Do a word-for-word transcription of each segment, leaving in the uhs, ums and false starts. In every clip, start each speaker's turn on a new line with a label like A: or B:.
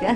A: ka.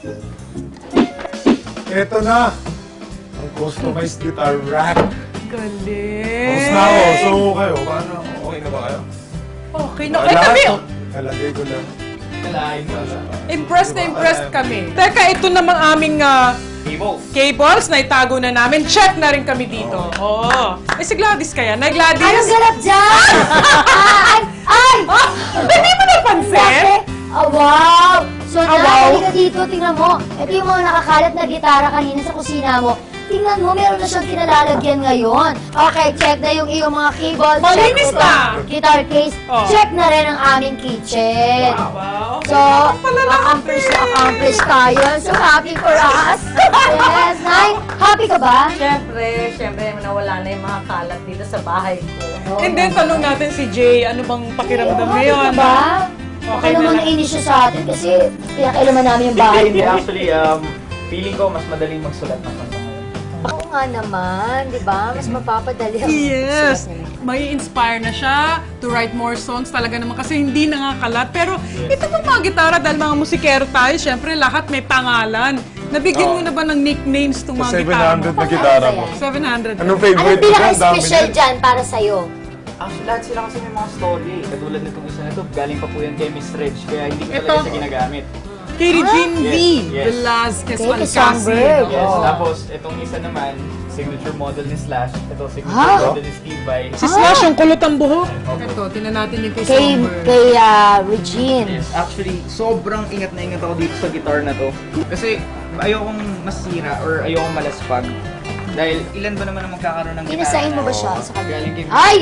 B: Ito na! Ang customized guitar rack.
C: Galing!
B: Tapos na ako. So, kayo, paano? Okay na ba kayo?
C: Okay na. Eh, kami,
B: Nalagay ko lang.
C: impressed na impressed kami. Teka, ito namang aming ah,
D: Cables.
C: cables na itago na namin. Check na rin kami dito. Oo. Eh, si Gladys kaya? Na Gladys?
A: Anong ganap dyan? Ay! Ay!
C: Hindi mo napansin?
A: Bakit? Ah, wow! So,
C: Ah,
A: na,
C: wow.
A: halika dito, tingnan mo. Ito yung mga nakakalat na gitara kanina sa kusina mo. Tingnan mo, meron na siyang kinalalagyan ngayon. Okay, check na yung iyong mga keyboard.
C: Malinis
A: check
C: na.
A: ito. Guitar case.
C: Oh.
A: Check na rin ang aming kitchen.
C: Wow.
A: So, accomplish na accomplish tayo. So, happy for us. Yes, Nay. Happy ka ba?
E: Siyempre, siyempre, nawala na yung mga kalat dito sa bahay ko.
C: And then, tanong natin si Jay, ano bang pakiramdam
A: Happy
C: ngayon?
A: ka ba?
C: Okay
A: Ano
C: na
A: naman
C: lang.
A: nainis siya sa atin kasi pinakailaman namin yung bahay
D: Hindi,
A: mo.
D: actually, um, feeling ko mas madaling magsulat ng kanta ngayon.
A: Oo nga naman, di ba? Mas mapapadali ang
C: Yes!
A: sulat nila.
C: May inspire na siya to write more songs talaga naman kasi hindi nakakalat. Pero ito pong mga gitara dahil mga musikero tayo, syempre lahat may pangalan. Nabigyan mo
B: Oo.
C: na ba ng nicknames itong mga
B: Sa
C: gitara
B: seven hundred
C: mo?
B: na gitara mo.
C: seven hundred.
B: Anong
A: Anong
B: favorite mo dyan? Dami
A: pinaka-special
B: din.
A: dyan para sa'yo?
D: Actually, lahat sila kasi may mga story. Katulad nitong isa na to, galing pa po yan kay Miss Reg, kaya hindi ko
C: Ito.
D: talaga siya ginagamit.
C: Kay Regine V.
D: Yes, yes.
C: Velasquez
A: Okay, kay
C: Valcasi.
A: Songbird.
D: Yes,
A: Oo.
D: tapos itong isa naman, signature model ni Slash. Ito, signature
A: Ah.
D: model ni Steve Vai.
C: Si Slash yung kulot ang buhok. Ito, tinan natin yung kay
A: Kay,
C: Songbird.
A: kay ah, Regine.
D: Yes, actually, sobrang ingat na ingat ako dito sa guitar na to. Kasi ayokong masira or ayokong malaspag. Dahil ilan ba naman ang magkakaroon ng gitara?
A: Inasain mo ba
D: na-
A: siya sa kanya?
D: Galing kay
A: Ay!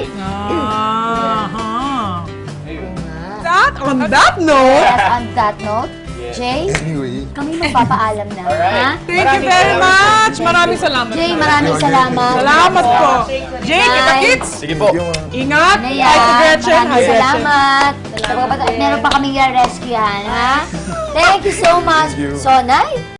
C: Aha.
D: Ayun.
C: That, on that note,
A: Yes, on that note,
D: Yes.
A: Jay,
B: Anyway.
A: kami magpapaalam na. Ha?
D: Alright.
C: thank you
D: Maraming
C: very
D: salamat.
C: much. Maraming salamat.
A: Jay, maraming salamat.
C: Salamat po. Jay, kita
A: Bye.
C: kits.
D: Sige po.
B: Yung, uh,
C: Ingat.
A: Ano
C: Hi
A: yan?
C: to Gretchen. Hi,
A: Maraming
C: Gretchen.
A: salamat. Sa mga bata, meron pa kaming rescuehan, ha? Thank you so much.
B: Thank you.
A: So, Nay,